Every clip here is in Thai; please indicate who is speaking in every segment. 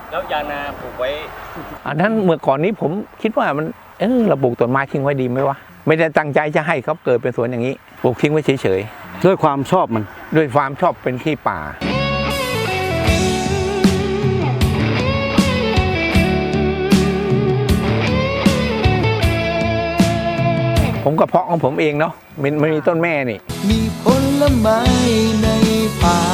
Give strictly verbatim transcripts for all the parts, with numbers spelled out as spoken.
Speaker 1: แล้วยางนาปลูกไว้
Speaker 2: อันนั้นเมื่อก่อนนี้ผมคิดว่ามันเออเราปลูกต้นไม้ทิ้งไว้ดีไหมวะไม่ได้ตั้งใจจะให้เขาเกิดเป็นสวนอย่างนี้ปลูกทิ้งไว้เฉย
Speaker 3: ๆด้วยความชอบมัน
Speaker 2: ด้วยความชอบเป็นที่ป่าผมก็เพาะของผมเองเนาะมันมันมีต้นแม่นี่
Speaker 4: มีผลไม้ในป่า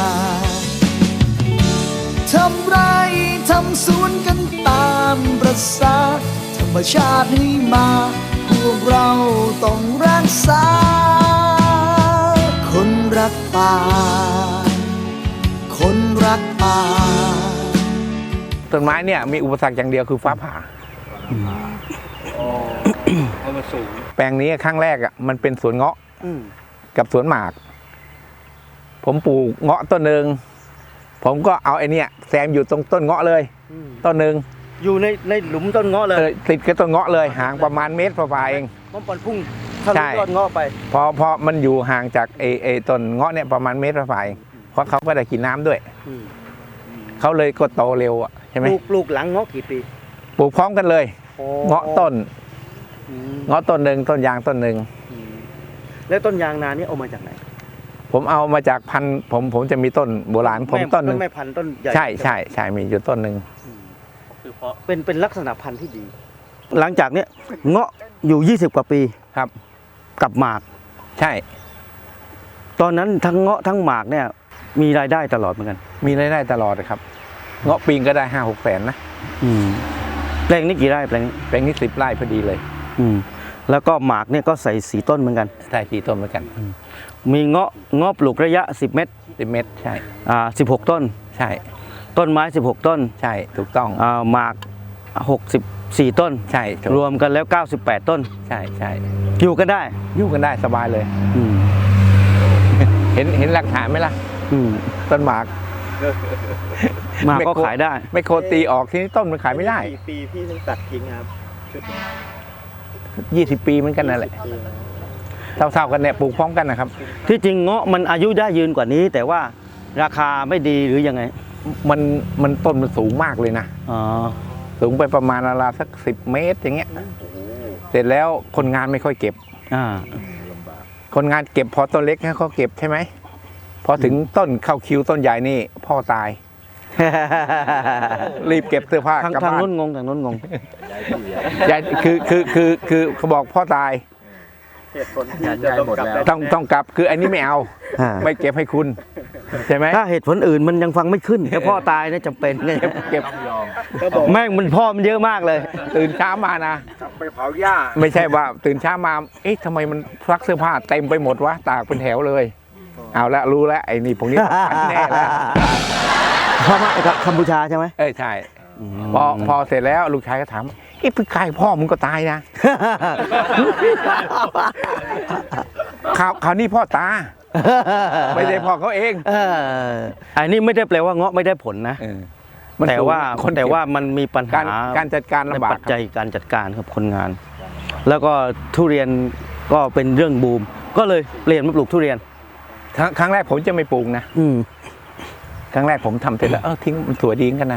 Speaker 4: ทำไรทำสวนกันตามประสาธรรมชาติให้มาพวกเราต้องรักษาคนรักป่าคนรักป่า
Speaker 2: ต้นไม้เนี่ยมีอุปสรรคอย่างเดียวคือฟ้าผ่า
Speaker 1: เอามาสูง
Speaker 2: แปลงนี้ครั้งแรกอ่ะมันเป็นสวนเงาะกับสวนหมากผมปลูกเงาะต้นหนึ่งผมก็เอาไอ้นี่แซมอยู่ตรงต้นเงาะเลยต้นหนึ่ง
Speaker 3: อยู่ในในหลุมต้นเงาะเลย
Speaker 2: ติดกับต้นเงาะเลยห่างประมาณเมตรฝ่าเอง
Speaker 3: มันปอนพุ่งทะลุต้นเงาะไป
Speaker 2: พอพอมันอยู่ห่างจากไอ้ไอ้ต้นเงาะเนี่ยประมาณเมตรฝ่าเองเพราะเขาก็ได้กินน้ำด้วยเขาเลยก็โตเร็วอ่ะใช่ไหม
Speaker 3: ปลูกหลังเงาะกี่ปี
Speaker 2: ปลูกพร้อมกันเลยเงาะต้นเงาะต้นหนึ่งต้นยางต้นหนึ่ง
Speaker 3: แล้วต้นยางนานี่เอามาจากไหน
Speaker 2: ผมเอามาจากพันธุ์ผมผมจะมีต้นโบราณผมต้นหนึ่ง
Speaker 3: ไม่พันธุ์ต้นใหญ่
Speaker 2: ใช่ใช่ใช่มีอยู่ต้นหนึ่ง
Speaker 3: คือเพราะเป็นเป็นลักษณะพันธุ์ที่ดี หลังจากเนี้ยเงาะอยู่ยี่สิบกว่าปี
Speaker 2: ครับ
Speaker 3: กับหมาก
Speaker 2: ใช่
Speaker 3: ตอนนั้นทั้งเงาะทั้งหมากเนี่ยมีรายได้ตลอดเหมือนกัน
Speaker 2: มีรายได้ตลอดครับเงาะปีงก็ได้ห้าหกแสนนะ
Speaker 3: อืมแปลงนี้กี่ไร่แปลงนี้
Speaker 2: แปลงนี้สิบไร่พอดีเลย
Speaker 3: อืมแล้วก็หมากเนี่ยก็ใส่สีต้นเหมือนกัน
Speaker 2: ใช่สีต้นเหมือนกัน
Speaker 3: มีเงาะเงาะปลูกระยะสิบเมตร
Speaker 2: สิบเมตรใช่
Speaker 3: อ่าสิบหกต้น
Speaker 2: ใช่
Speaker 3: ต้นไม้สิบหกต้น
Speaker 2: ใช่ถูกต้อง
Speaker 3: อ่าหมากหกสิบสี่ต้น
Speaker 2: ใช่
Speaker 3: รวมกันแล้วเก้าสิบแปดต้น
Speaker 2: ใช่ใช่
Speaker 3: อยู่กันได้
Speaker 2: อยู่กันได้สบายเลยเห็นเห็นหลักฐานไหมล่ะต้นหมาก
Speaker 3: หมากก็ขายได้
Speaker 2: ไม่โคตีออกที่นี่ต้นมันขายไม่ได้
Speaker 1: กี่ปีพี่ต้องตัดทิ้งครับ
Speaker 2: ยี่สิบปีเหมือนกันนั่นแหละเท่าๆกันเนี่ยปลูกพร้อมกันนะครับ
Speaker 3: ที่จริงเงาะมันอายุได้ยืนกว่านี้ แต่ว่าราคาไม่ดีหรือยังไง
Speaker 2: มันมันต้นมันสูงมากเลยนะ
Speaker 3: อ๋อ
Speaker 2: สูงไปประมาณราวสักสิบเมตรอย่างเงี้ยเสร็จแล้วคนงานไม่ค่อยเก็บ
Speaker 3: อ่า
Speaker 2: คนงานเก็บพอต้นเล็กให้เขาเก็บใช่ไหมพอถึงต้นเข้าคิวต้นใหญ่นี่พ่อตายรีบเก็บเสื้อผ้ากลับบ้าน
Speaker 3: ทางนู้นงงทางนู้นงง
Speaker 2: ยายคือคือคือคือเขาบอกพ่อตาย
Speaker 1: เหตุผลจะต้องกลับ
Speaker 2: ต้องต้องกลับคืออันนี้ไม่เอาไม่เก็บให้คุณใช่ไหม
Speaker 3: ถ้าเหตุผลอื่นมันยังฟังไม่ขึ้นแค่พ่อตายเนี่ยจำเป็น
Speaker 2: เก็บเก็บ
Speaker 3: แม่งมันพ่อมันเยอะมากเลย
Speaker 2: ตื่นเช้ามานะ
Speaker 1: ไปเผาหญ้า
Speaker 2: ไม่ใช่ว่าตื่นเช้ามาเอ๊ะทำไมมันซักเสื้อผ้าเต็มไปหมดวะตากเป็นแถวเลยเอาละรู้แล้วไอ้นี่พวกนี้แน่แล้ว
Speaker 3: พ่อมาจากกัมพูชาใช่ไหม
Speaker 2: เอ้ยใช่พอพอเสร็จแล้วลูกชายก็ถามเอ๊ะพี่กายพ่อมึงก็ตายนะข่าวข่าวนี้พ่อตาไม่ได้พ่อเขาเอง
Speaker 3: อันนี้ไม่ได้แปลว่าเงาะไม่ได้ผลนะแต่ว่าแต่ว่ามันมีปัญหา
Speaker 2: การจัดการลำบาก
Speaker 3: ปัจจัยการจัดการครับคนงานแล้วก็ทุเรียนก็เป็นเรื่องบูมก็เลยเปลี่ยนมาปลูกทุเรียน
Speaker 2: ครั้งแรกผมจะไม่ปลูกนะครั้งแรกผมทำเสร็จแล้วเออทิ้งมันสวยดีกันนะ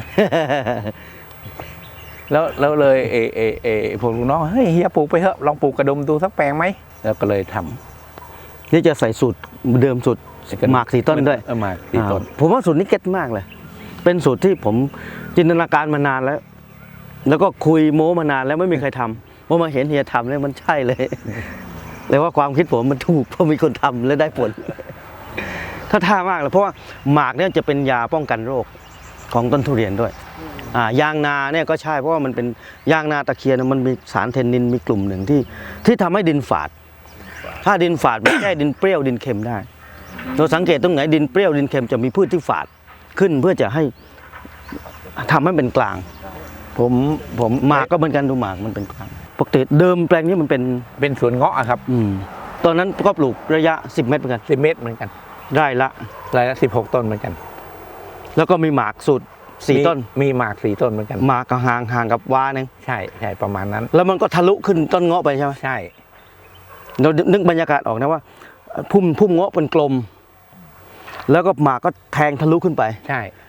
Speaker 2: แล้วแล้วเลยเอเอเอพวกลูกน้องเฮ้ยเฮียปลูกไปเถอะลองปลูกกระดมดูสักแปลงไหมแล้วก็เลยท
Speaker 3: ำนี่จะใส่สูตรเดิมสูตรหมากสีต้นด้วย
Speaker 2: หมากสีต้น
Speaker 3: ผมว่าสูตรนี้เก็ตมากเลยเป็นสูตรที่ผมจินตนาการมานานแล้วแล้วก็คุยโม้มานานแล้วไม่มีใครทำพอมาเห็นเฮียทำแล้วมันใช่เลยเลยว่าความคิดผมมันถูกเพราะมีคนทำและได้ผลถ้าท่ามากเลยเพราะว่าหมากเนี่ยจะเป็นยาป้องกันโรคของต้นทุเรียนด้วยอ่ายางนาเนี่ยก็ใช่เพราะว่ามันเป็นยางนาตะเคียนมันมีสารเทนนินมีกลุ่มหนึ่งที่ที่ทำให้ดินฝาดถ้าดินฝาดไม่ใช่ดินเปรี้ยวดินเค็มได้เราสังเกตตรงไหนดินเปรี้ยวดินเค็มจะมีพืชที่ฝาดขึ้นเพื่อจะให้ทำให้เป็นกลาง
Speaker 2: ผมผม
Speaker 3: หมากก็เหมือนกันดูหมากมันเป็นกลางปกติเดิมแปลงนี้มันเป็น
Speaker 2: เป็นสวนเงาะครับ
Speaker 3: อืมตอนนั้นก็ปลูกระยะสิบเมตรเหมือนกัน
Speaker 2: สิบเมตรเหมือนกัน
Speaker 3: ได้ละ
Speaker 2: รายละสิบหกต้นเหมือนกัน
Speaker 3: แล้วก็มีหมากสุดสี่ต้น
Speaker 2: มีหมากสี่ต้นเหมือนกัน
Speaker 3: หมากก็ห่างห่างกับวานึง
Speaker 2: ใช่ใช่ประมาณนั้น
Speaker 3: แล้วมันก็ทะลุขึ้นต้นเงาะไปใช่ไหม
Speaker 2: ใช่
Speaker 3: เรานึกบรรยากาศออกนะว่าพุ่มพุ่มเงาะเป็นกลมแล้วก็หมากก็แทงทะลุขึ้นไป
Speaker 2: ใช่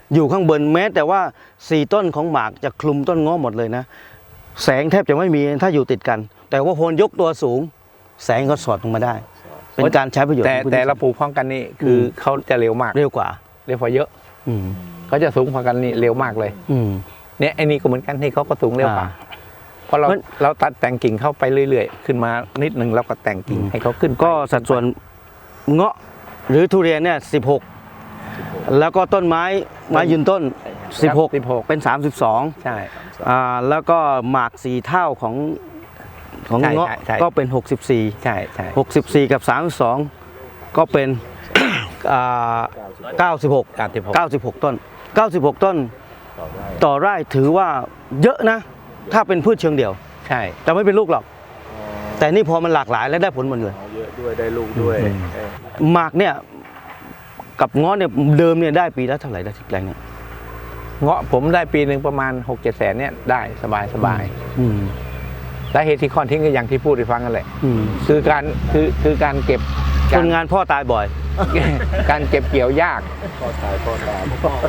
Speaker 3: อยู่ข้างบนแม้แต่ว่าสี่ต้นของหมากจะคลุมต้นง้อหมดเลยนะแสงแทบจะไม่มีถ้าอยู่ติดกัน แต่ว่าโพนยกตัวสูง แสงก็สอดลงมาได้ เป็นการใช้ประโยชน์
Speaker 2: แต่
Speaker 3: ของพื้น
Speaker 2: แต่
Speaker 3: ที่
Speaker 2: เราปลูกพร้อมกันนี่คืออ
Speaker 3: ม
Speaker 2: เขาจะเร็วมาก
Speaker 3: เร็วกว่า
Speaker 2: เร็วกว่าเยอะ
Speaker 3: อืม
Speaker 2: เขาจะสูงพร้อมกันนี่เร็วมากเลย
Speaker 3: อืม
Speaker 2: เนี่ยไอ้นี่ก็เหมือนกันที่เขาก็สูงเร็วกว่า
Speaker 3: อ่า
Speaker 2: เพราะเรา
Speaker 3: มัน
Speaker 2: เราตัดแต่งกิ่งเข้าไปเรื่อยๆ ขึ้นมานิดนึงแล้วก็แต่งกิ่งให้เขาขึ้นไป
Speaker 3: ก็สัดส่วนเงาะหรือทุเรียนเนี่ยสิบหกแล้วก็ต้นไม้ไม้ยืนต้นสิบหก
Speaker 2: สิบหก
Speaker 3: เป็นสามสิบสอง
Speaker 2: ใช่
Speaker 3: อ่าแล้วก็หมากสี่เท่าของของ
Speaker 2: ใช่
Speaker 3: เงาะ
Speaker 2: ใช่ใช่
Speaker 3: ก็เป็นหกสิบสี่
Speaker 2: ใช่ใช่
Speaker 3: หกสิบสี่กับสามสิบสองก็เป็น อ่าเก้าสิบหก
Speaker 2: การที่ผม
Speaker 3: เก้าสิบหกต้นเก้าสิบหกต้นต่อไร่ถือว่าเยอะนะ ถ้าเป็นพืชเชิงเดี่ยว
Speaker 2: ใช่
Speaker 3: แต่ไม่เป็นลูกหรอก แต่นี่พอมันหลากหลายและได้ผลหมดเลย
Speaker 1: เอาเยอะด้วยได้ลูกด้วย
Speaker 3: อืม
Speaker 1: เออ
Speaker 3: หมากเนี่ยกับเงาะเนี่ยเดิมเนี่ยได้ปีละเท่าไหร่ได้สิบแปลงเนี่ย
Speaker 2: เงาะผมได้ปีหนึ่งประมาณหกเจ็ดแสนเนี่ยได้สบายสบาย
Speaker 3: อืม
Speaker 2: สาเหตุที่คอนทิ้งก็อย่างที่พูดให้ฟังกันแหละ
Speaker 3: อืม
Speaker 2: คือการคือคือการเก็บ
Speaker 3: ค
Speaker 2: การ
Speaker 3: นงานพ่อตายบ่อย
Speaker 2: การเก็บเกี่ยวยาก
Speaker 1: พ่อตายพ่อตาย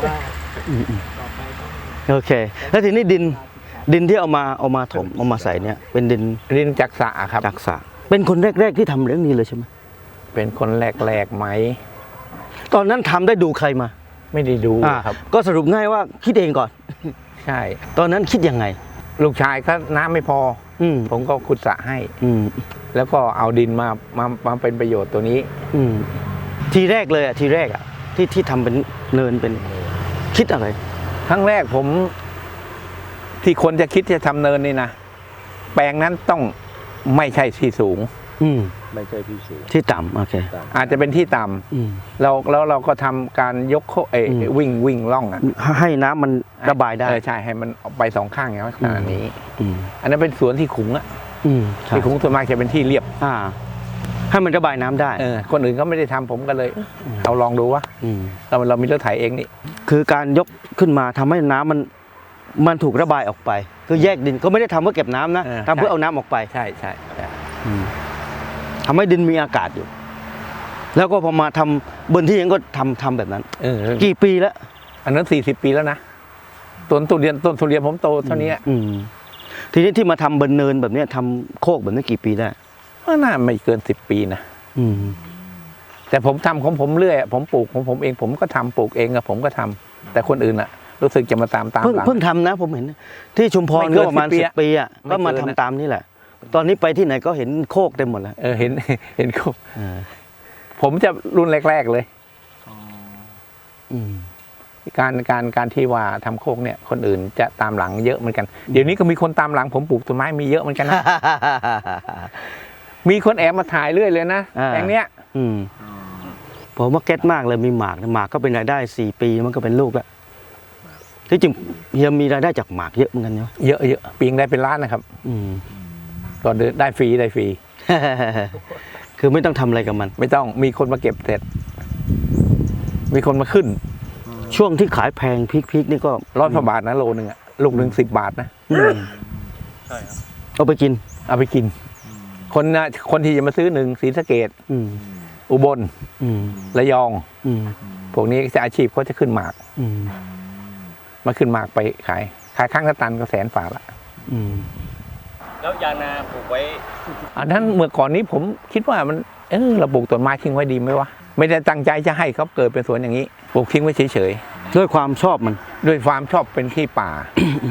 Speaker 3: โอเค แล้วทีนี้ดินดินที่เอามาเอามาถมเอามาใส่เนี่ยเป็นดิน
Speaker 2: รินจักษะครับ
Speaker 3: จักษะเป็นคนแรก ๆที่ทำเรื่องนี้เลยใช่ไหม
Speaker 2: เป็นคนแรกๆไหม
Speaker 3: ตอนนั้นทำได้ดูใครมา
Speaker 2: ไม่ได้ดู
Speaker 3: อ่า
Speaker 2: ครับ
Speaker 3: ก็สรุปง่ายว่าคิดเองก่อน
Speaker 2: ใช่
Speaker 3: ตอนนั้นคิดยังไง
Speaker 2: ลูกชายก็น้ำไม่พอ
Speaker 3: อืม
Speaker 2: ผมก็ขุดสระให้
Speaker 3: อืม
Speaker 2: แล้วก็เอาดินมามามาเป็นประโยชน์ตัวนี้
Speaker 3: อืมทีแรกเลยอ่ะทีแรกอ่ะที่ที่ทำเป็นเนินเป็นคิดอะไร
Speaker 2: ครั้งแรกผม ที่คนจะคิดจะทำเนินนี่นะแปลงนั้นต้องไม่ใช่ที่สูง
Speaker 3: อืม
Speaker 1: ไม่ใช่ที่สูง
Speaker 3: ที่ต่ำโอเค
Speaker 2: อาจจะเป็นที่ต่ำ
Speaker 3: อืม
Speaker 2: เราแล้วเราก็ทำการยกโคเออ
Speaker 3: อืม
Speaker 2: วิ่งวิ่งล่องอ่ะ
Speaker 3: ให้น้ำมันระบายได้
Speaker 2: เออใช่ให้มันออกไปสองข้างอย่างขนาดนี้
Speaker 3: อืม
Speaker 2: อันนั้นเป็นสวนที่ขุงอ่ะ
Speaker 3: อืมใช่
Speaker 2: ที่ขุงส่วนมากจะเป็นที่เรียบ
Speaker 3: อ่า ให้มันระบายน้ำได้
Speaker 2: เออคนอื่นก็ไม่ได้ทำผมก็เลยเอาลองดูว่า
Speaker 3: อืม
Speaker 2: เราเรามีรถไถเองนี่
Speaker 3: คือการยกขึ้นมาทำให้น้ำมันมันถูกระบายออกไป คือแยกดินก็ไม่ได้ทำเพื่อเก็บน้ำนะทำเพื่อเอาน้ำออกไป
Speaker 2: ใช่ใช่ใช่
Speaker 3: อืมทำให้ดินมีอากาศอยู่ แล้วก็พอมาทำบนที่เองก็ทำทำแบบนั้น
Speaker 2: เออ
Speaker 3: กี่ปีแล้ว
Speaker 2: อันนั้นสี่สิบปีแล้วนะต้นทุเรียนต้นทุเรียนผมโตเท่านี้
Speaker 3: อืมทีนี้ที่มาทำบนเนินแบบเนี้ยทำโคกแบบนี้กี่ปีได้
Speaker 2: ก็น่าไม่เกินสิบปีนะ
Speaker 3: อืม
Speaker 2: แต่ผมทำของผมเรื่อยอะผมปลูกของผมเองผมก็ทำปลูกเองอะผมก็ทำแต่คนอื่นอะรู้สึกจะมาตามตาม
Speaker 3: เพิ่ง
Speaker 2: หลัง
Speaker 3: เพิ่งทำนะ ผมเห็น ที่ชุมพร
Speaker 2: ไม่เกิ
Speaker 3: ก็
Speaker 2: น
Speaker 3: ประมาณ
Speaker 2: สิ
Speaker 3: สิ
Speaker 2: บบ ปี
Speaker 3: ปีอ่ะ
Speaker 2: ไม่
Speaker 3: ก็มา
Speaker 2: เกิ
Speaker 3: ทำ
Speaker 2: นนะ
Speaker 3: ตามนี่แหละ ตอนนี้ไปที่ไหนก็เห็นโคกเต็มหมดแล้ว
Speaker 2: เออเห็น เห็นเขา
Speaker 3: อ่า
Speaker 2: ผมจะรุ่นแรก ๆเลย
Speaker 3: อืม
Speaker 2: การการการที่ว่าทำโคกเนี่ยคนอื่นจะตามหลังเยอะเหมือนกันเดี๋ยวนี้ก็มีคนตามหลังผมปลูกต้นไม้มีเยอะเหมือนกันนะ มีคนแอบมาถ่ายเรื่อยเลยนะ
Speaker 3: อ่า
Speaker 2: แปลงเนี้ย
Speaker 3: อืมผมว่าเก็ตมากเลยมีหมากนะหมากก็เป็นรายได้สี่ปีมันก็เป็นลูกแล้วที่จริงเฮียมีรายได้จากหมากเยอะเหมือนกันเนาะ
Speaker 2: เยอะเยอะปีงได้เป็นล้านนะครับ
Speaker 3: อืม
Speaker 2: ก็ได้ฟรีได้ฟรี
Speaker 3: คือไม่ต้องทำอะไรกับมัน
Speaker 2: ไม่ต้องมีคนมาเก็บเสร็จ มีคนมาขึ้น
Speaker 3: ช่วงที่ขายแพงพีคๆนี่ก็
Speaker 2: ร้อยกว่าบาทนะโลนึงอะลูกหนึ่งสิบบาทนะ
Speaker 3: อืม
Speaker 1: ใช่ครับ
Speaker 3: เอาไปกิน
Speaker 2: เอาไปกิน คนนะคนที่จะมาซื้อหนึ่งศรีสะเกด
Speaker 3: อืม
Speaker 2: อุบล
Speaker 3: อืม
Speaker 2: ระยอง
Speaker 3: อืม
Speaker 2: พวกนี้จะอาชีพเขาจะขึ้นหมาก
Speaker 3: อืม
Speaker 2: มาขึ้นหมากไปขาย ขายข้างละตันก็แสนฝาละ
Speaker 3: อืม
Speaker 1: แล้วยางนาปลูกไว้
Speaker 2: อันนั้นเมื่อก่อนนี้ผมคิดว่ามันเออเราปลูกต้นไม้ทิ้งไว้ดีไหมวะไม่ได้ตั้งใจจะให้เขาเกิดเป็นสวนอย่างนี้ปลูกทิ้งไว้เฉย
Speaker 3: ด้วยความชอบมัน
Speaker 2: ๆด้วยความชอบเป็นที่ป่า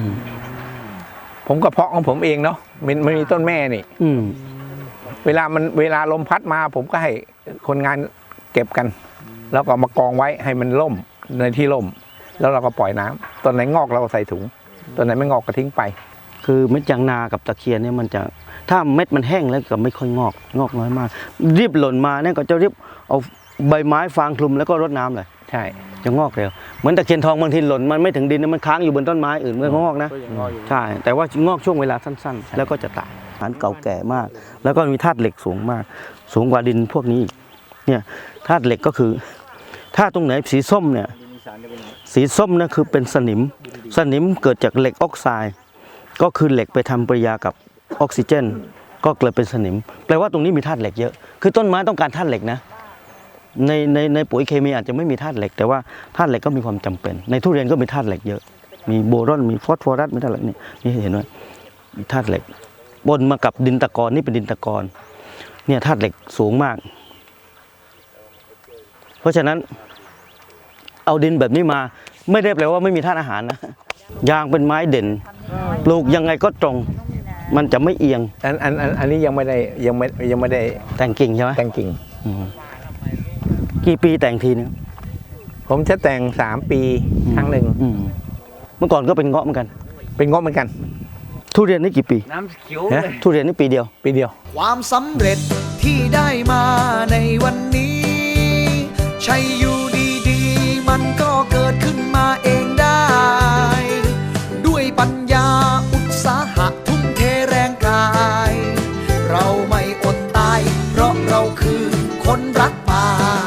Speaker 2: ผมก็เพาะของผมเองเนาะมันมันมีต้นแม่นี่
Speaker 3: อืม
Speaker 2: เวลามันเวลาลมพัดมา ผมก็ให้คนงานเก็บกัน แล้วก็มากองไว้ให้มันล่มในที่ล่ม แล้วเราก็ปล่อยน้ำต้นไหนงอกเราก็ใส่ถุงต้นไหนไม่งอกก็ทิ้งไป
Speaker 3: คือเม็ดยางนากับตะเคียนเนี่ยมันจะถ้าเม็ดมันแห้งแล้วก็ไม่ค่อยงอกงอกน้อยมากรีบหล่นมาเนี่ยก็จะรีบเอาใบไม้ฟางคลุมแล้วก็รดน้ำเลย
Speaker 2: ใช่
Speaker 3: จะงอกเร็วเหมือนตะเคียนทองบางทีหล่นมันไม่ถึงดินนะมันค้างอยู่บนต้นไม้อื่นมันก็งอกนะ
Speaker 1: ก็ยังงอกอยู่
Speaker 3: ใช่แต่ว่างอกช่วงเวลาสั้นๆ แล้วก็จะตายฐานเก่าแก่มาก แล้วก็มีธาตุเหล็กสูงมาก สูงกว่าดินพวกนี้อีกเนี่ยธาตุเหล็กก็คือถ้าตรงไหนสีส้มเนี่ยสีส้มนั่นคือเป็นสนิมสนิมเกิดจากเหล็กออกไซด์ก็คือเหล็กไปทำปฏิกิริยากับออกซิเจน ก็เกิดเป็นสนิมแปลว่าตรงนี้มีธาตุเหล็กเยอะคือต้นไม้ต้องการธาตุเหล็กนะในในในปุ๋ยเคมีอาจจะไม่มีธาตุเหล็กแต่ว่าธาตุเหล็กก็มีความจำเป็นในทุเรียนก็มีธาตุเหล็กเยอะมีโบรอนมีฟอสฟอรัสมีธาตุเหล็กนี่นี่เห็นไหมมีธาตุเหล็กปนมากับดินตะกอนนี่เป็นดินตะกอนเนี่ยธาตุเหล็กสูงมากเพราะฉะนั้นเอาดินแบบนี้มาไม่ได้แปลว่าไม่มีธาตุอาหารนะยางเป็นไม้เด่นปลูกยังไงก็ตรงมันจะไม่เอียง
Speaker 2: อันอันอันอันนี้ยังไม่ได้ยังไม่ยังไม่ได้
Speaker 3: แต่งกิ่งใช่ไหม
Speaker 2: แต่งกิ่ง
Speaker 3: อืมกี่ปีแต่งทีนึง
Speaker 2: ผมจะแต่งสามปีครั้งหนึ่ง
Speaker 3: อืมเมื่อก่อนก็เป็นเงาะเหมือนกัน
Speaker 2: เป็นงบเหมือนกัน
Speaker 3: ทุเรียนนี่กี่ปี
Speaker 1: น้ำเขียว
Speaker 2: นะ
Speaker 3: ทุเรียนนี่ปีเดียว
Speaker 2: ปีเดียว
Speaker 4: ความสำเร็จที่ได้มาในวันนี้ ใช่อยู่ดีๆ มันก็เกิดขึ้นมาเองได้ ด้วยปัญญาอุตสาหะทุ่มเทแรงกาย เราไม่อดตาย เพราะเราคือคนรักป่า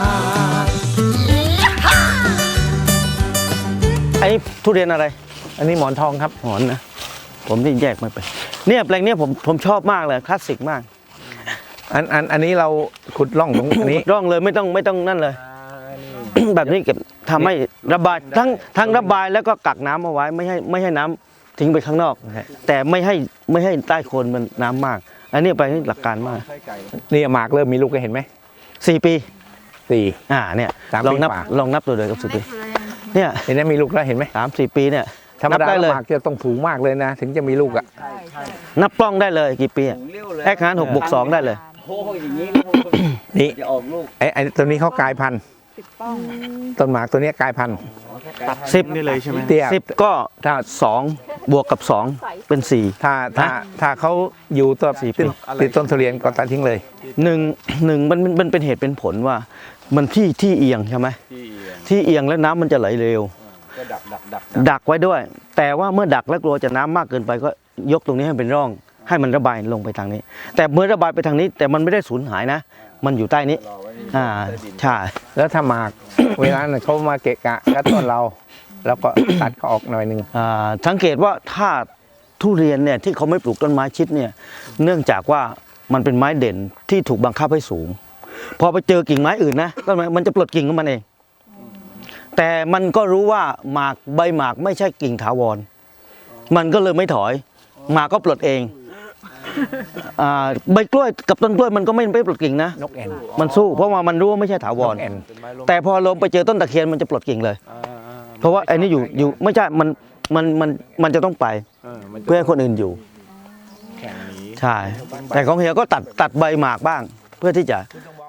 Speaker 3: ไอ้ทุเรียนอะไร
Speaker 2: อันนี้หมอนทองครับ
Speaker 3: หอนนะผมนี่แยกไม่เป็นเนี่ยแปลงเนี้ยผมผมชอบมากเลยคลาสสิกมาก
Speaker 2: อันอันอันนี้เราขุดร่องตรงนี้
Speaker 3: ร่องเลยไม่ต้องไม่ต้องนั่นเลย แบบนี้เก็บทำให้ระบายทั้งทั้งระบายแล้วก็กักน้ำเอาไว้ไม่ให้ไม่ให้น้ำทิ้งไปข้างนอก แต่ไม่ให้ไม่ให้ใต้โคนมันน้ำมาก อันนี้ไปหลักการมาก
Speaker 2: นี่หมากเริ่มมีลูกก็เห็นไหม
Speaker 3: สี่ปี
Speaker 2: สี่
Speaker 3: อ่าเนี่ย
Speaker 2: สามปี
Speaker 3: ลองนับ
Speaker 2: กว่า
Speaker 3: ลองนับตัวเลยกับสี่ปีเนี่ย
Speaker 2: เห็นไหมมีลูกแล้วเห็นไหม
Speaker 3: สามสี่ปีเนี่ย
Speaker 2: ธรรม
Speaker 3: นับ
Speaker 2: ดา
Speaker 3: ได้เลย
Speaker 2: หมากจะต้องสูงมากเลยนะ ถึงจะมีลูกอ่ะ
Speaker 3: นับกล้องได้เลยกี่ปีอะแอคหารหกบวกสองได้เลย
Speaker 1: โค้งอย่างนี้
Speaker 2: นี่
Speaker 1: จะออกลูก
Speaker 2: ไอ้ไอ้ตัวนี้เขากลายพันธุ์ต้นหมากตัวเนี้ยกลายพันธุ์
Speaker 3: สิบนี่เลยใช่ไหม
Speaker 2: เตี้ย
Speaker 3: สิบก็
Speaker 2: ถ้า
Speaker 3: สองบวกกับสองเป็นสี่
Speaker 2: ถ้าถ้าถ้าเขาอยู่ตัว
Speaker 3: สี่ปี
Speaker 2: ติดติดต้นทุเรียนก็ตัดทิ้งเลย
Speaker 3: หนึ่งหนึ่งมันมันมันเป็นเหตุเป็นผลว่า มันที่ที่เอียงใช่ไหมที่เอียงแล้วน้ำมันจะไหลเร็ว
Speaker 1: ก็ดักดักดัก
Speaker 3: ดักไว้ด้วย แต่ว่าเมื่อดักแล้วกลัวจะน้ำมากเกินไปก็ยกตรงนี้ให้เป็นร่อง ให้มันระบายลงไปทางนี้ แต่เมื่อระบายไปทางนี้ แต่มันไม่ได้สูญหายนะ มันอยู่ใต้นี้อ่าใช่
Speaker 2: แล้วถ้าหมาก เวลานั้นเขามาเกะกะกัดต้นเรา แล้วก็ ตัดเขาออกหน่อยหนึ่ง
Speaker 3: อ่าสังเกตว่าถ้าทุเรียนเนี่ยที่เขาไม่ปลูกต้นไม้ชิดเนี่ยเนื่องจากว่ามันเป็นไม้เด่นที่ถูกบังคับให้สูง พอไปเจอกิ่งไม้อื่นนะต้นไม้มันจะปลดกิ่งของมันเอง แต่มันก็รู้ว่าหมากใบหมากไม่ใช่กิ่งถาวร มันก็เลยไม่ถอยหมากก็ปลดเองอ่าใบกล้วยกับต้นกล้วยมันก็ไม่ไม่ปลดกิ่งนะ
Speaker 2: นกแอ่น
Speaker 3: มันสู้เพราะว่ามันรู้ว่าไม่ใช่ถาวร
Speaker 2: นกแอ่น
Speaker 3: แต่พอลงไปเจอต้นตะเคียนมันจะปลดกิ่งเลย เพราะว่าไอ้นี่อยู่อยู่ไม่ใช่มันมันมันมันจะต้องไปเพื่อให้คนอื่นอยู่ใช่แต่ของเฮียก็ตัดตัดใบหมากบ้าง เพื่อที่จะ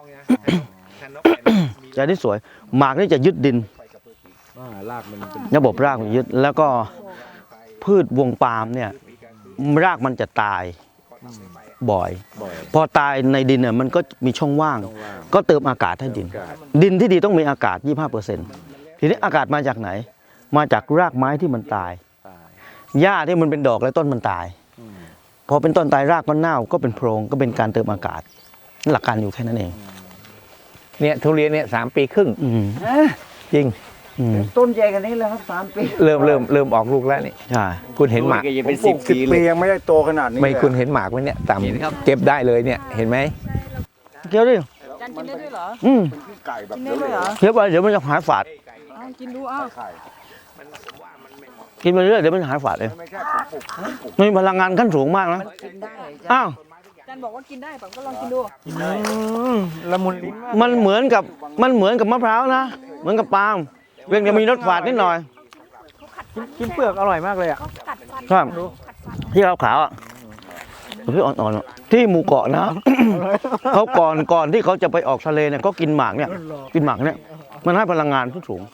Speaker 3: จะได้สวยหมากนี่จะยึดดิน
Speaker 1: ลากมันเป็น
Speaker 3: ระบบรากมันยึดแล้วก็พืชวงปาล์มเนี่ยรากมันจะตายบ่อย
Speaker 1: บ่อย
Speaker 3: พอตายในดินเนี่ยมันก็มีช่องว่าง ก็เติมอากาศให้ดิน ดินที่ดีต้องมีอากาศ ยี่สิบห้าเปอร์เซ็นต์ ทีนี้อากาศมาจากไหน มาจากรากไม้ที่มันตาย
Speaker 1: ตาย
Speaker 3: หญ้าที่มันเป็นดอกและต้นมันตาย พอเป็นต้นตายรากก็เน่าก็เป็นโพรงก็เป็นการเติมอากาศ หลักการอยู่แค่นั้นเอง
Speaker 2: เนี่ยทุเรียนเนี่ยสามปีครึ่ง
Speaker 3: อืม
Speaker 2: จริง
Speaker 3: อืม
Speaker 5: ต้นใหญ่กันนี้แล้วครับสามปี
Speaker 2: เริ่มเริ่มเริ่มออกลูกแล้วนี่
Speaker 3: ใช่
Speaker 2: คุณเห็นหมาก
Speaker 1: จะเป็นสิบปีเลย
Speaker 5: ยังไม่ได้โตขนาดนี้
Speaker 2: ไม่คุณเห็นหมากไหมเนี่ยต่ำเก็บได้เลยเนี่ยเห็นไหม
Speaker 3: เคี้ยวดิ
Speaker 6: จันกินได้ด้วยเหรอ
Speaker 3: อืม
Speaker 6: กินได้ด้วยเหรอ
Speaker 3: เคี้ยวไปเดี๋ยวมันจะหายฝาด
Speaker 6: เอากินดูอ้าว
Speaker 3: กินไปเรื่อยเดี๋ยวมันหายฝาดเองมีพลังงานขั้นสูงมากนะ
Speaker 6: กินได้
Speaker 3: อ้าว
Speaker 6: จันบอกว่ากินได้ผมก็ลองกินดู
Speaker 5: ละมุนลิ้นมาก
Speaker 3: มันเหมือนกับมันเหมือนกับมะพร้าวนะเหมือนกับปาล์มเพียงแต่มีรสฝาดนิดหน่อย
Speaker 5: กินเปลือกอร่อยมากเลยอ่ะ
Speaker 3: ครับที่ขาวๆอ่ะที่อ่อนๆอะที่หมู่เกาะนะ เขาก่อนก่อนที่เขาจะไปออกทะเลเนี่ยก็กินหมากเนี่ยกินหมากเนี่ยมันให้พลังงานที่สูง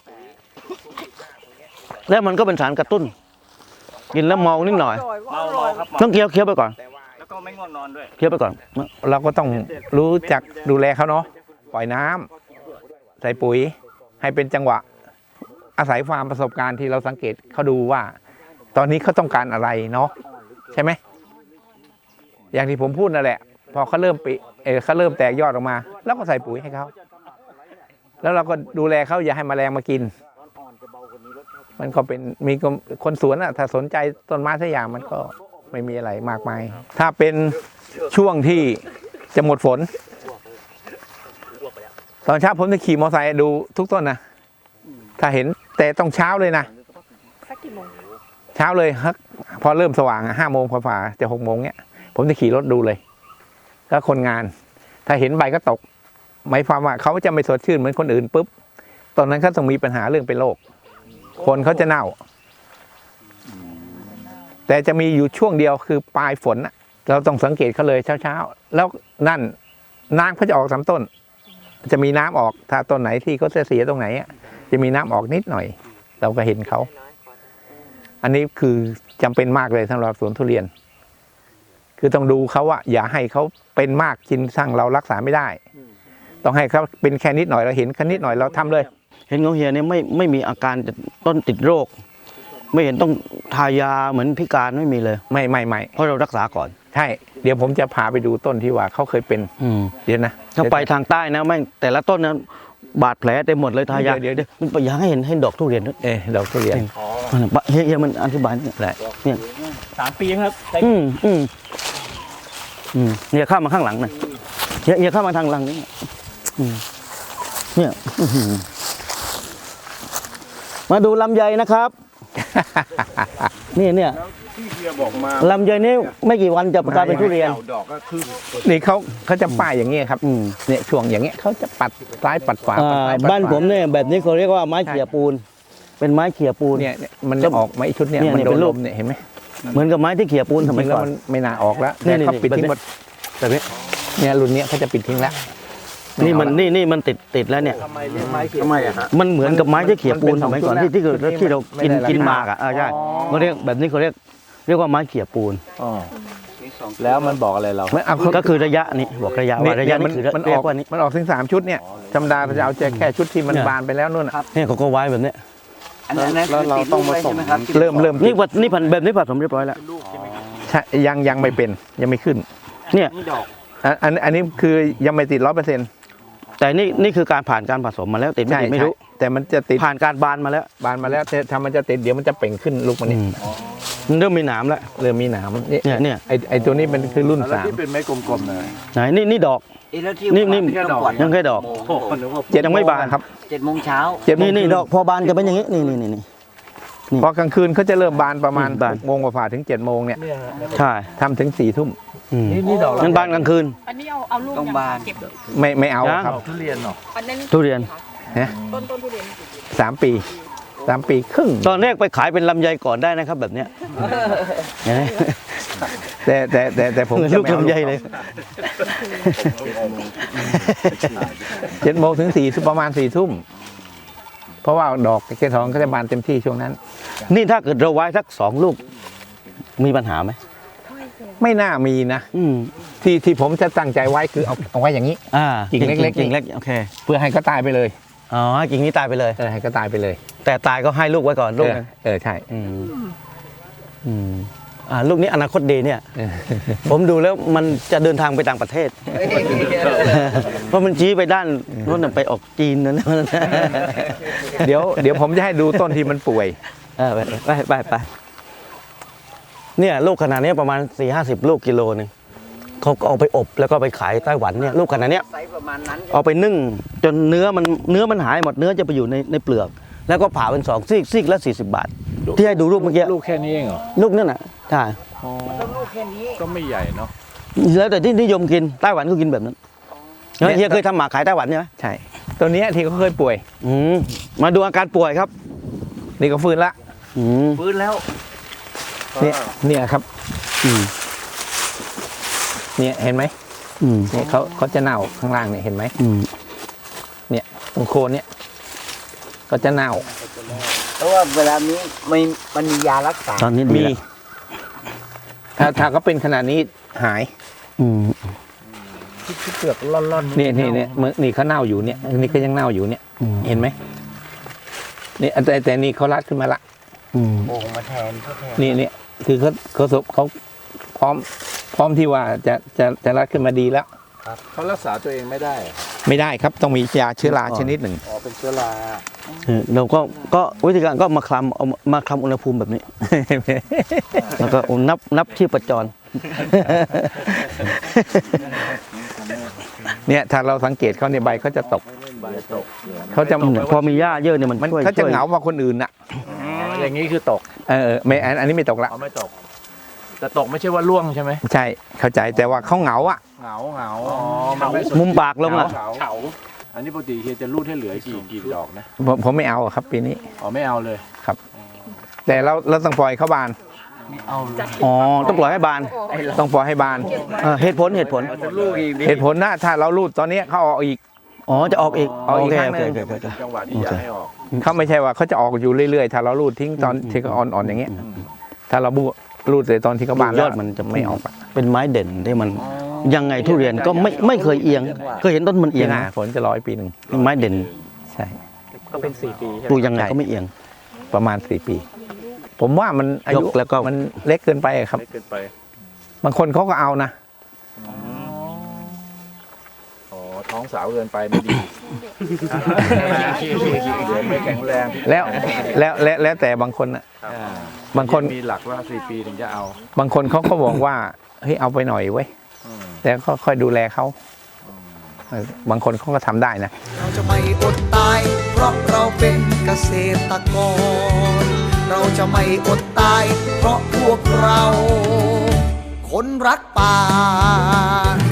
Speaker 3: แล้วมันก็เป็นสารกระตุ้น กินแล้วเมานิดหน่อย
Speaker 6: อร่อยว่า
Speaker 1: เมา
Speaker 6: อร่
Speaker 1: เมา
Speaker 6: อย
Speaker 1: ครับ
Speaker 3: ต้องเคี้ยวเคี้ยวไปก่อน
Speaker 1: แล้วก็ไม่ง่วงนอนด้วย
Speaker 3: เคี้ยวไปก่อน
Speaker 2: เราก็ต้องรู้จักดูแลเขาเนาะปล่อยน้ำใส่ปุ๋ยให้เป็นจังหวะ อาศัยความประสบการณ์ที่เราสังเกตเขาดูว่า ตอนนี้เขาต้องการอะไรเนาะใช่ไหมอย่างที่ผมพูดนั่นแหละ พอเขาเริ่มปิเออเขาเริ่มแตกยอดออกมา แล้วก็ใส่ปุ๋ยให้เขาแล้วเราก็ดูแลเขาอย่าให้แมลงมากิน มันก็เป็นมีคนสวนอะถ้าสนใจต้นไม้สักอย่างมันก็ไม่มีอะไรมากมาย ถ้าเป็นช่วงที่จะหมดฝนตอนเช้าผมจะขี่มอเตอร์ไซค์ดูทุกต้นนะถ้าเห็นแต่ต้องเช้าเลยนะ
Speaker 6: สักกี่โมง
Speaker 2: เช้าเลยครับพอเริ่มสว่างห้าโมงพอฝ่าจะหกโมงเนี้ยผมจะขี่รถดูเลยก็คนงาน ถ้าเห็นใบก็ตกหมายความว่าเขาจะไม่สดชื่นเหมือนคนอื่นปุ๊บตอนนั้นเขาต้องมีปัญหาเรื่องเป็นโรคคนเขาจะเน่า แต่จะมีอยู่ช่วงเดียวคือปลายฝนน่ะเราต้องสังเกตเขาเลยเช้าๆแล้วนั่นน้ำเขาจะออกสามต้น จะมีน้ำออกถ้าต้นไหนที่เขาเสียตรงไหนจะมีน้ำออกนิดหน่อย เราก็เห็นเขาอันนี้คือจำเป็นมากเลยสำหรับสวนทุเรียน คือต้องดูเขาว่าอย่าให้เขาเป็นมากกินสั่งเรารักษาไม่ได้ ต้องให้เขาเป็นแค่นิดหน่อยเราเห็นแค่นิดหน่อยเราทำเลย
Speaker 3: เห็นของเฮียเนี่ยไม่ไม่มีอาการต้นติดโรค ไม่เห็นต้องทายาเหมือนพิการไม่มีเลย
Speaker 2: ไม่ไม่ไม่
Speaker 3: เพราะเรารักษาก่อน
Speaker 2: ใช่เดี๋ยวผมจะพาไปดูต้นที่ว่าเขาเคยเป็น
Speaker 3: อืม
Speaker 2: เดี๋ยวนะ
Speaker 3: ถ้าไปทางใต้นะแม่งแต่ละต้นนะบาดแผลเต็มหมดเลยทายา
Speaker 2: เดี๋ยวเดี๋ยว
Speaker 3: มันอยากให้เห็นให้ดอกทุเรียนด้วย
Speaker 2: เออดอกทุเรียน
Speaker 3: เฮียเฮียมันอธิบายเนี่ย
Speaker 2: ได้
Speaker 3: เนี่ย
Speaker 1: สามปีครับ
Speaker 3: อืมอืมอืมเนี่ยเข้ามาข้างหลังน่ะเฮียเฮียเข้ามาทางหลังนี่อืมเนี่ยอื้อหือมาดูลำไยนะครับ นี่เนี่ย
Speaker 1: ที่เฮียบอกมา
Speaker 3: ลำไยนี่ไม่กี่วันจะกลายเป็นทุเรียน
Speaker 1: ดอกก็คือ
Speaker 2: นี่เขาเขาจะป้ายอย่างเงี้ยครับ
Speaker 3: อืม
Speaker 2: เนี่ยช่วงอย่างเงี้ยเขาจะปัดซ้ายปัดขวา
Speaker 3: อ่า
Speaker 2: ปัดซ้ายปัดขว
Speaker 3: บ้านผมเนี่ยแบบนี้เขาเรียกว่าไม้เขี่ยปูน เป็นไม้เขี่ยปูน
Speaker 2: เนี่ยเนี่ยมันจะออกไหมชุดเนี้ย
Speaker 3: เนี่ย
Speaker 2: มันโด
Speaker 3: เป็น นรู
Speaker 2: ล
Speaker 3: ป
Speaker 2: มเนี่ยเห็นไหม
Speaker 3: เหมือนกับไม้ที่เขี่ยปูน
Speaker 2: จ
Speaker 3: สมั
Speaker 2: ริ
Speaker 3: ย
Speaker 2: งๆแล้ว
Speaker 3: ก่อน
Speaker 2: มันไม่น่าออกแล้ว
Speaker 3: นี่
Speaker 2: แต่เขา
Speaker 3: นี่
Speaker 2: ปิดทิ้งหมด
Speaker 3: แบบนี้
Speaker 2: เนี่ยรุ่นเนี้ยเขาจะปิดทิ้งแล้ว
Speaker 3: นี่มันนี่นี่มันติดติดแล้วเนี่ย
Speaker 1: ทำไมเลี้ยงไม้ทำไมอะฮะ
Speaker 3: มันเหมือนกับไม้ที่เขี่ยปูนสมัยก่อนที่ที่ที่ที่เรากิน
Speaker 2: ไม่ได้ราคา
Speaker 3: กินหมากอ่ะอ่าใช่เขาเรียกแบบนี้เขาเรียกเรียกว่าไม้เขี่ยปูน
Speaker 1: อ๋อแล้วมันบอกอะไรเรา
Speaker 2: ไม่เอา
Speaker 3: ก็คือระยะนี่บอกระยะ
Speaker 2: เนี่ย
Speaker 3: ว่าระยะ
Speaker 2: มั
Speaker 3: นี่คือ
Speaker 2: มันอ
Speaker 3: เรีย
Speaker 2: อก
Speaker 3: กว่านี้
Speaker 2: มันออกถึงสามชุดเนี่ยธรรมดาเราจะเอาแค่แค่ชุดที่มัน
Speaker 3: เนี่ย
Speaker 2: บานไปแล้วนู่นน่ะ
Speaker 3: เนี่ยเขาก็ไว้แบบนี้
Speaker 5: อันนั้น
Speaker 1: แล้วเราต้องมาส่ง
Speaker 2: เริ่มเริ่ม
Speaker 3: นี่วัดนี่ผันแบบนี้ผสมเรียบร้อยแล้ว
Speaker 2: ใช่ยังยังไม่เป็นยังไม่ขึ้น
Speaker 3: เนี่ย
Speaker 2: อันอันอันนี้คือยังไม่ติดร้อยเปอร์เซ็นต์
Speaker 3: แต่นี่นี่คือการผ่านการผสมมาแล้วติดไม่
Speaker 2: ใช่
Speaker 3: ติดไม่รู้
Speaker 2: ใช่แต่มันจะติด
Speaker 3: ผ่านการบานมาแล้ว
Speaker 2: บานมาแล้วแต่ถ้ามันจะติดเดี๋ยวมันจะเป่งขึ้นลูกมันนี่
Speaker 3: อืมมันเริ่มมีหนามแล้ว
Speaker 2: เริ่มมีหนามนี่
Speaker 3: เนี่ยเนี่ย
Speaker 2: ไอไอตัวนี้มันคือรุ่น
Speaker 1: แล้ว
Speaker 2: สาม
Speaker 1: ที่เป็นไม้กลมๆเลย
Speaker 3: ไหนนี่นี่ดอก นี่นี่
Speaker 5: แค่ดอก
Speaker 3: ยังแค่ดอก
Speaker 1: โอ้โหนึกว่า
Speaker 2: เจ็ด
Speaker 3: ยังไม่บาน
Speaker 2: โงครับ
Speaker 5: เจ็ดโมงเช้า
Speaker 2: เจ็ดโมง
Speaker 3: นี่นี่
Speaker 2: ครึ่ง
Speaker 3: ดอกพอบานจะเป็นอย่างนี้นี่นี่นี่นี่
Speaker 2: พอกลางคืนเขาจะเริ่มบานประมาณ
Speaker 3: อืมบาน
Speaker 2: หกโมงกว่าๆถึงเจ็ดโมงเนี่ย
Speaker 3: ใช่
Speaker 2: ทำถึงสี่ทุ่ม
Speaker 3: อืม
Speaker 1: นี่ดอก
Speaker 3: มันบานกลางคืน
Speaker 6: อันนี้เอาเอาลูก
Speaker 5: ต้อง
Speaker 6: ยัง
Speaker 5: บาน
Speaker 6: เก็บ
Speaker 2: ไม่ไม่เอา
Speaker 3: ยัง
Speaker 2: ครับ
Speaker 1: ทุเรียนเหรอ
Speaker 6: อันนั้น
Speaker 3: ทุเรียน
Speaker 2: ฮะ
Speaker 6: ต้นต้นทุเรียน
Speaker 2: สามปีสามปีครึ่ง
Speaker 3: ตอนแรกไปขายเป็นลำไยก่อนได้นะครับแบบเนี้ยเห็นไหม
Speaker 2: แต่แต่แต่แต่ผม
Speaker 3: เหมือน
Speaker 2: จะ
Speaker 3: ลูก
Speaker 2: ไม่เอา
Speaker 3: ลำไยเลย
Speaker 2: เจ็ดโมงถึงสี่ประมาณสี่ทุ่มเพราะว่าดอกเกสรเขาจะบานเต็มที่ช่วงนั้น
Speaker 3: นี่ถ้าเกิดเราไว้สักสองลูก มีปัญหาไหม
Speaker 2: ไม่น่ามีนะ
Speaker 3: อืม
Speaker 2: ที่ที่ผมจะตั้งใจไว้คือเอาเอาไว้อย่างนี้
Speaker 3: อ่า
Speaker 2: กิ่งเล็กๆ
Speaker 3: กิ่งเล็กโอเค
Speaker 2: เพื่อให้เขาตายไปเลย
Speaker 3: อ๋อกิ่งนี้ตายไปเลย
Speaker 2: เออให้เขาตายไปเลย
Speaker 3: แต่ตายก็ให้ลูกไว้ก่อนลูก
Speaker 2: เออ
Speaker 3: นึง
Speaker 2: เออใช่
Speaker 3: อืมอืมอ่าลูกนี้อนาคตดีเนี่ย
Speaker 2: เออ
Speaker 3: ผมดูแล้วมันจะเดินทางไปต่างประเทศ เพราะมันชี้ไปด้านโน้นนะไปออกจีนนั่นนะ
Speaker 2: เดี๋ยวเดี๋ยวผมจะให้ดูต้นที่มันป่วย
Speaker 3: เออไปไปไปไปเนี่ยลูกขนาดนี้ประมาณสี่ห้าสิบลูกกิโลหนึงเขาก็เอาไปอบแล้วก็ไปขายไต้หวันเนี่ยลูกขนาดเนี้ย
Speaker 5: ไซส์ประมาณนั้น
Speaker 3: เอาไปนึ่งจนเนื้อมันเนื้อมันหายหมดเนื้อจะไปอยู่ในในเปลือก แล้วก็ผ่าเป็นสองซีกซีกละสี่สิบบาท ที่ให้ดูรูปเมื่อกี้
Speaker 1: ลูกแค่นี้เองเหรอ
Speaker 3: ลูกนั่นน่ะใช่
Speaker 5: ต้องลูกแค่นี้
Speaker 1: ก็ไม่ใหญ่เนาะ
Speaker 3: แล้วแต่ที่นิยมกินไต้หวันก็กินแบบนั้นเฮียเคยทำหมากขายไต้หวันใช่ไหม
Speaker 2: ใช่ ตัวเนี้ยที่เขาเคยป่วย
Speaker 3: อืมมาดูอาการป่วยครับ
Speaker 2: นี่ก็ฟื้นละ
Speaker 3: อืม
Speaker 5: ฟื้นแล้ว
Speaker 2: เนี่ยเนี่ยครับ
Speaker 3: อืม
Speaker 2: เนี่ยเห็นไหม
Speaker 3: อืม
Speaker 2: เนี่ยเขาเขาจะเน่าข้างล่างเนี่ยเห็นไหม
Speaker 3: อืม
Speaker 2: เนี่ยตรงโคนเนี่ยก็จะเน่า
Speaker 5: เพราะว่าเวลานี้ไม่มันมียารักษา
Speaker 3: ตอนนี้ดี
Speaker 2: มี
Speaker 3: แล้ว
Speaker 2: ถ้าถ้าเขาเป็นขนาดนี้หาย
Speaker 3: อืม
Speaker 1: ที่เปลือกร่อนๆ
Speaker 2: เนี่ยเนี่ยเนี่ยเมื่อนี่เขาเน่าอยู่เนี่ยนี่ก็ยังเน่าอยู่เนี่ย
Speaker 3: อืม
Speaker 2: เห็นไหมนี่แต่แต่นี่เขารัดขึ้นมาละ
Speaker 3: อืม
Speaker 5: โอ่งมาแทนเขาแทน
Speaker 2: นี่เนี่ยคือเขาเขาสบเขาพร้อม พร้อมที่ว่าจะจะจะรัดขึ้นมาดีแล้ว
Speaker 1: เขารักษาตัวเองไม่ได้
Speaker 2: ไม่ได้ครับต้องมียาเชื้อราชนิดหนึ่ง
Speaker 1: อ๋อเป็นเชื้อรา
Speaker 3: เออเราก็ก็วิธีการก็มาคลำเอามาคลำอุณหภูมิแบบนี้ แล้วก็นับนับที่ประจร
Speaker 2: เนี่ยถ้าเราสังเกตเขาในยใบเขาจะตก
Speaker 1: ใบตก
Speaker 2: เขาจะ
Speaker 3: พอมีหญ้าเยอะเนี่ยมัน
Speaker 2: มัน
Speaker 3: ช่วย
Speaker 2: เขาจะ
Speaker 3: ช่วย
Speaker 2: เหงากว่าคนอื่นน่ะ
Speaker 1: อย่างนี้คือตก
Speaker 2: เออเออไม่อันอันนี้ไม่ตกละ
Speaker 1: เอาไม่ตก แต่ตกไม่ใช่ว่าล่วงใช่ไหม
Speaker 2: ใช่เข้าใจแต่ว่าเขาเหงาอ่ะ
Speaker 1: เหงาเหงาอ๋อมันไม่ส
Speaker 3: มุมปากลงอ่ะ
Speaker 1: เหงาเหงาอันนี้ปกติเฮียจะรูดให้เหลือกี่กี่ดอกนะ
Speaker 2: ผมผมไม่เอาอะครับปีนี้
Speaker 1: อ๋อไม่เอาเลย
Speaker 2: แต่เราเราต้องปล่อยเขาบาน
Speaker 3: อ๋อต้องปล่อยให้บาน
Speaker 2: ต้องปล่อยให้บาน
Speaker 3: เออเหตุผลเหตุผล
Speaker 2: เหตุผลนะถ้าเรารูดตอนนี้เขาออกอีก
Speaker 3: อ๋อจะออกอีก
Speaker 2: เอาอีก
Speaker 3: โเค
Speaker 2: ครั้งหนึ่ง
Speaker 3: โอเคโอเคโอเค
Speaker 1: จังหวะที่อยากให้ออก
Speaker 2: เขาไม่ใช่ว่าเขาจะออกอยู่เรื่อยๆ ถ้าเรารูดทิ้งตอนที่เขาอ่อนๆอย่างเงี้ย ถ้าเราบูรูดเลยตอนที่เขาบาน
Speaker 3: ย
Speaker 2: แล้
Speaker 3: อ
Speaker 2: ว
Speaker 3: ดมันจะ
Speaker 2: ไม่ออกอะ
Speaker 3: เป็นไม้เด่นที่มันยังไงทุเรียนก็ไม่ไม่เคยเอียงเคยเห็นต้นมัน
Speaker 2: ปี
Speaker 3: เอียง
Speaker 2: หน้า
Speaker 3: นะ
Speaker 2: ฝนจะร้อยปีหนึ่ง
Speaker 3: ไม้เด่น
Speaker 2: ใช่
Speaker 3: ปลูกยังไงก็ไม่เอียง
Speaker 2: ประมาณสี่ปี ผมว่ามันอายุ
Speaker 3: ยกแล้วก็
Speaker 2: มันเล็กเกินไปอะครับ
Speaker 1: เล็กเกินไป
Speaker 2: บางคนเขาก็เอานะ
Speaker 1: อ๋อท้องสาวเกินไปไม่ดีเดี๋ยวไม่แข็งแรง
Speaker 2: แล้วแล้วแล้วแล้วแต่บางคนอะ
Speaker 1: อ่า
Speaker 2: บางคน
Speaker 1: มีหลักว่าสี่ปีถึงจะเอา
Speaker 2: บางคนเขาก็บอกว่าเฮ้ยเอาไปหน่อยเว้ย
Speaker 1: อืม
Speaker 2: แต่ก็ค่อยดูแลเขาเออบางคนเขาก็ทำได้นะ
Speaker 4: เราจะไม่อดตาย เพราะเราเป็นเกษตรกร เราจะไม่อดตาย เพราะพวกเรา คนรักป่า